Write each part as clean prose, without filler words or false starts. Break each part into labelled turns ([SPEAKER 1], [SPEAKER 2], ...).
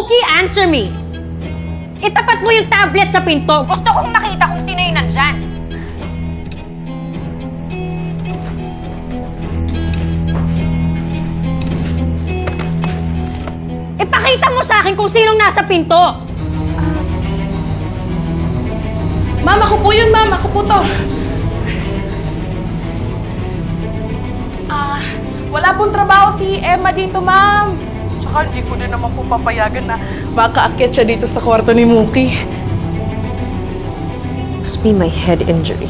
[SPEAKER 1] Mookie, answer me! Itapat mo yung tablet sa pinto. Gusto kong makita kung sino yung nandyan. Ipakita mo sa akin kung sinong nasa pinto.
[SPEAKER 2] Ma'am, ako po yun, ma'am. Ako po to. Wala pong trabaho si Emma dito, ma'am. Tsaka hindi ko din naman po papayagan na makaakyat siya dito sa kwarto ni Mookie.
[SPEAKER 1] Must be my head injury.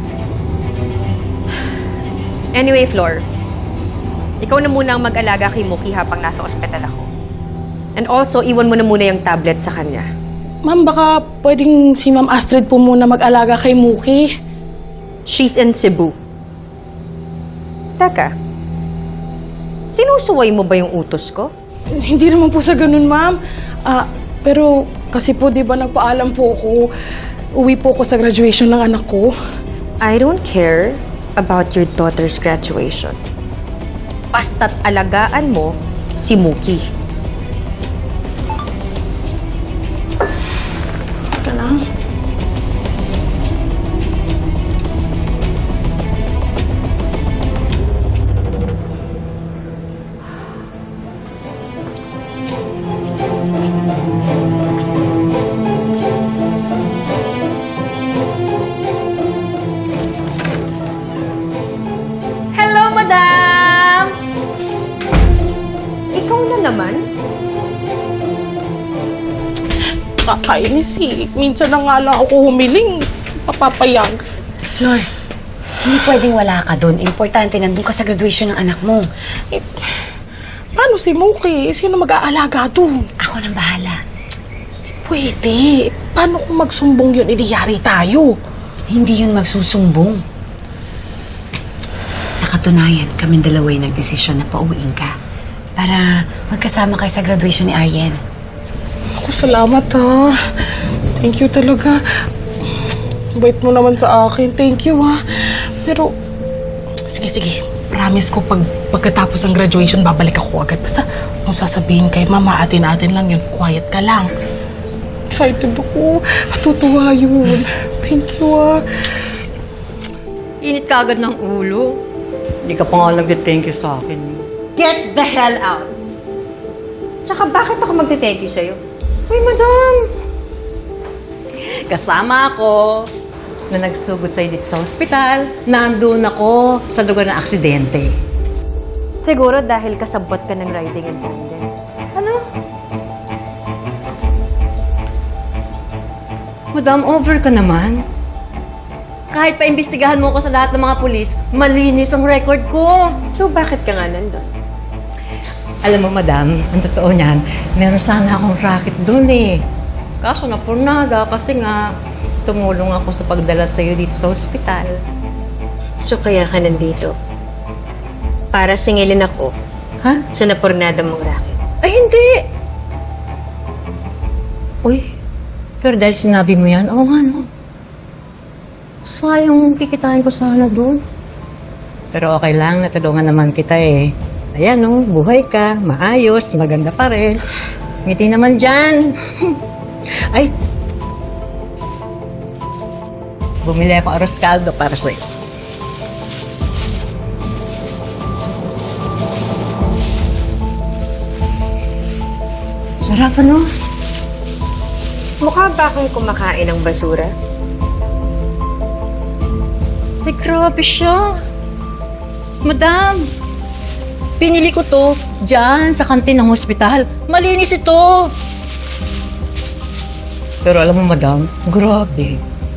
[SPEAKER 1] Anyway, Flor. Ikaw na muna ang mag-alaga kay Mookie habang nasa ospital ako. And also, iwan mo na muna yung tablet sa kanya.
[SPEAKER 2] Ma'am, baka pwedeng si Ma'am Astrid po muna mag-alaga kay Mookie.
[SPEAKER 1] She's in Cebu. Teka, sinusuway mo ba yung utos ko?
[SPEAKER 2] Hindi naman po sa ganun, ma'am. Pero kasi po, di ba nagpaalam po ako, uwi po ako sa graduation ng anak ko.
[SPEAKER 1] I don't care about your daughter's graduation. Basta't alagaan mo si Mookie.
[SPEAKER 2] Teka lang.
[SPEAKER 1] Hello, madam! Ikaw na naman?
[SPEAKER 2] Kakainis eh. Minsan na nga lang ako humiling. Papapayag.
[SPEAKER 3] Flor, hindi pwedeng wala ka doon. Importante, nandun ka sa graduation ng anak mo.
[SPEAKER 2] Eh, paano si Mookie? Sino mag-aalaga doon?
[SPEAKER 3] Ako nang bahala.
[SPEAKER 2] Pwede. Paano kung magsumbong yun, idiyari tayo?
[SPEAKER 3] Hindi yun magsusumbong. Sa katunayan, kaming dalawa yung nagdesisyon na pauwiin ka para magkasama kayo sa graduation ni Arjen.
[SPEAKER 2] Ako, salamat ha. Thank you talaga. Bait mo naman sa akin. Thank you ha. Pero, sige. Promise ko pagkatapos ng graduation, babalik ako agad. Basta, kung sasabihin kay mama, atin-atin lang yun. Quiet ka lang. Excited ako. Matutuwa yun. Thank you ha.
[SPEAKER 1] Init ka agad ng ulo. Hindi ka pa nga nag-thank you sa akin. Get the hell out! Tsaka bakit ako magte-thank you sa'yo? Uy, madam! Kasama ako na nagsugod sa'yo dito sa ospital. Nandun ako sa lugar ng aksidente. Siguro dahil kasabot ka ng riding attendant. Ano? Madam, over ka naman. Kahit pa imbestigahan mo ko sa lahat ng mga pulis, malinis ang record ko. So, bakit ka nga nandun? Alam mo, madam, ang totoo niyan, meron sana akong racket doon eh. Kaso napurnada kasi nga tumulong ako sa pagdala sa'yo dito sa ospital. So, kaya ka nandito? Para singilin ako? Ha? Sa napurnada mong racket? Ay, hindi! Uy, pero dahil sinabi mo yan, oo nga, no? Sayang kikitain ko sana doon. Pero okay lang, natulungan naman kita eh. Ayan, no, buhay ka, maayos, maganda pa rin. Ngiti naman dyan. Ay! Bumili ako arroz caldo para sa'yo. Sarap, ano? Mukha ba akong kumakain ng basura? Ay, grabe siya. Madam, pinili ko to dyan sa kantin ng hospital. Malinis ito. Pero alam mo, madam, grabe.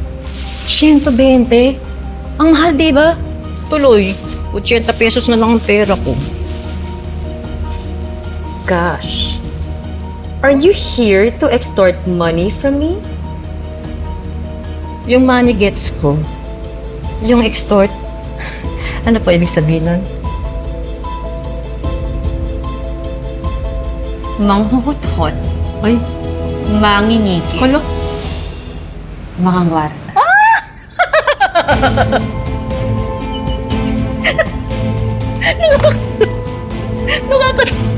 [SPEAKER 1] 120. Ang mahal, diba? Tuloy, 80 pesos na lang ang pera ko. Gosh. Are you here to extort money from me? Yung money gets ko. Yung extort, ano pa ibig sabihin nun? Manghuhot-hot. Ay, mangingiki. Kalo?
[SPEAKER 3] Makangwar.
[SPEAKER 1] Nakaka...